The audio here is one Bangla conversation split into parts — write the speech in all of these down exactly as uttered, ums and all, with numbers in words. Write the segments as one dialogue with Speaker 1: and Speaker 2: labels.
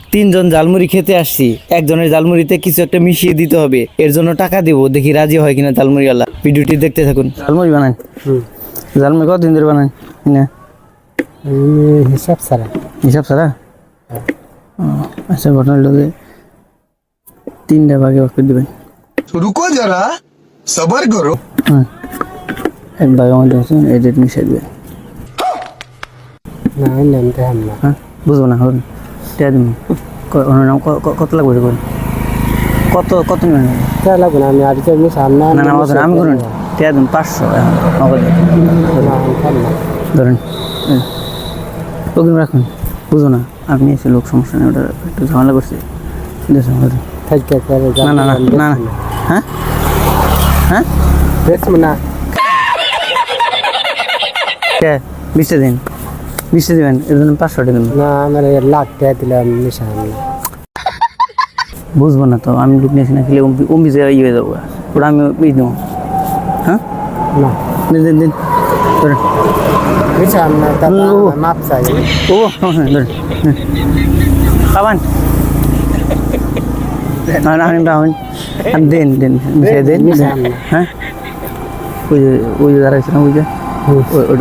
Speaker 1: তিনজন জালমুড়ি খেতে আসছি, একজনের জালমুড়িতে কিছু একটা মিশিয়ে দিতে হবে, এর জন্য টাকা দিব, দেখি রাজি হয় কিনা জালমুড়িওয়ালা। ভিডিওটি দেখতে থাকুন। জালমুড়ি বানান, জালমুড়ি কতদিন ধরে বানান না?
Speaker 2: হিসাব ছাড়া।
Speaker 1: হিসাব ছাড়া? আচ্ছা, ঘটনা হলো যে তিনটা ভাগে ভাগ করে দেবেন।
Speaker 3: रुको जरा सबर करो।
Speaker 1: হ্যাঁ, এক ভাগের মধ্যে আছে এই রেট মিশিয়ে দেবেন।
Speaker 2: না নামতে হাম না।
Speaker 1: হ্যাঁ, বুঝবো না, হবে টিয়া দিন। কত লাগবে রে? করুন কত কত নেবেন?
Speaker 2: তা লাগবে না, আমি আর যে আমি সামনে
Speaker 1: না না অত না, আমি করুন টিয়া দিন পাঁচশো নগদ ধরেন। ওগুলো রাখুন, বুঝো না আপনি এসে লোক, সমস্যা নেই, ওটা একটু ঝামেলা করছে।
Speaker 2: থাকতে পারে।
Speaker 1: না না না না না, হ্যাঁ হ্যাঁ
Speaker 2: দেখবো না।
Speaker 1: কে বিশটা দিন, বিশটা দেবেন, এর জন্য পাঁচশো টাকা দেবেন।
Speaker 2: না আমার লাখ টাকা দিলাম নিশান।
Speaker 1: বুঝবো না তো, আমি লোক নিয়েছি না, খেলে অম্বি ইয়ে হয়ে যাবো, ওটা আমি বেশ দেবো। হ্যাঁ
Speaker 2: না
Speaker 1: দিন দিন দিন ধরেন।
Speaker 2: নিশান না, তারপর মাপ চাই।
Speaker 1: ও সমস্যা নেই, ধরেন পাবান না না আমি পাবেন, আপনি দিন দিন মিশিয়ে দিন। হ্যাঁ ওই যে ওই যে দাঁড়াইছিলাম, ওই যে ওইটা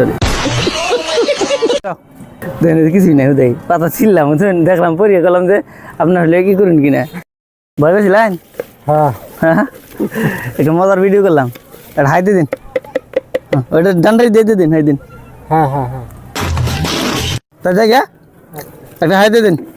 Speaker 1: দেন, কিছুই নাই, দেখ পাতা ছিললাম, দেখলাম পরিয়ে গেলাম যে আপনার হলে কি করুন কিনা, ভয় পেয়েছিলেন?
Speaker 2: হ্যাঁ
Speaker 1: হ্যাঁ, একটা মজার ভিডিও করলাম, একটা হাই দিয়ে দিন, ওইটা ডান্ডাই দিয়ে দিয়ে দিন, হাই দিন।
Speaker 2: হ্যাঁ হ্যাঁ হ্যাঁ
Speaker 1: তাই যাই গা, একটা হাই দিয়ে দিন।